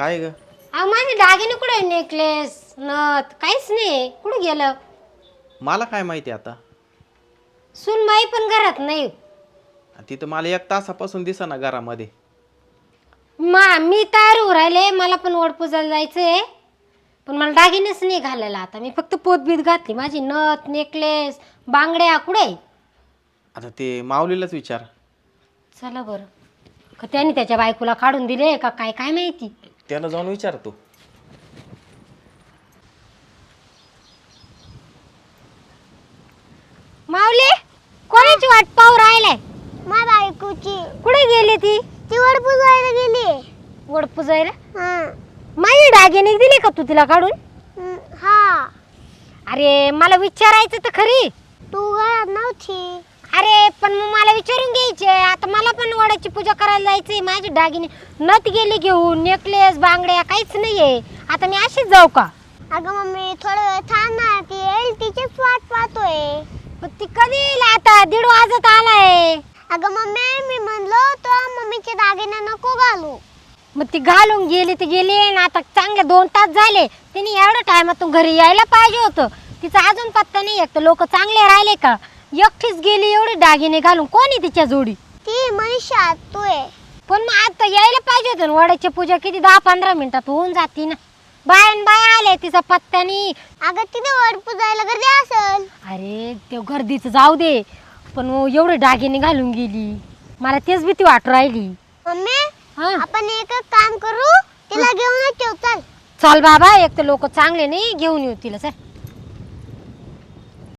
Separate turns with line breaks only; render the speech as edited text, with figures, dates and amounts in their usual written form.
काय ग?
अहो माझे दागिने कुठे, नेकलेस नथ काहीच नाही, कुठे गेलं?
मला काय माहिती आता.
सुनबाई पण घरात नाही.
तिथं मला 1 तासापासून दिसेना घरामध्ये.
मी तयार होऊ राहिले, मला पण वडपूजाला जायचंय, पण मला दागिनेच नाही घालायला. आता मी फक्त पोतबीत घातली, माझी नथ नेकलेस बांगड्या कुठे?
आता ते माऊलीलाच विचार.
चला बरं, का त्याने त्याच्या बायकोला काढून दिले का काय, काय माहिती.
त्याला जाऊन विचारतो.
माऊली, कोणाची वाट पाहू राहिलाय?
माझ्या बायकोची.
कुठे गेली ती?
ती वडपूजायला गेली.
वडपूजायला?
हा.
माझे दागिने दिले का तू तिला काढून?
हा.
अरे मला विचारायचं तर खरी.
तू घरात नव्हती.
अरे पण मग मला विचारून घ्यायचे. आता मला पण वडाची पूजा करायला जायचंय. माझे दागिने नथ गेली घेऊन, नेकलेस बांगड्या काहीच नाहीये. आता मी अशीच जाऊ का?
अगं मम्मी थोडं वेळ थांब ना, ती येईल तिचीच वाट पाहतोय.
पण ती कधी येईल आता? 1:30 वाजत आलाय.
अगं मम्मी मी म्हणलो तो मम्मीचे दागिने नको घालू.
मग ती घालून गेली ती गेली ना. आता चांगले 2 तास झाले. तिने एवढ्या टायमातून घरी यायला पाहिजे होतं. तिचा अजून पत्ता नाही. एक तर लोक चांगले राहिले का? एकटीच गेली एवढे दागिने घालून. कोणी तिच्या जोडी?
ती मनीषा तू आहे.
पण मग आता यायला पाहिजे होतं. वडाची पूजा किती 10-15 मिनिटात होऊन जाती ना. बाय आले, तिचा पत्ता नाही.
अगं तिथे वडपूजायला गर्दी असेल.
अरे ते गर्दीचं जाऊ दे, पण मग एवढे दागिने घालून गेली. मला तेच भीती वाटू राहिली.
मम्मी
हा
आपण एक काम करू, तिला घेऊन ठेव. चल
चल बाबा, एक तर लोक चांगले नाही, घेऊन येऊ तिला. चल.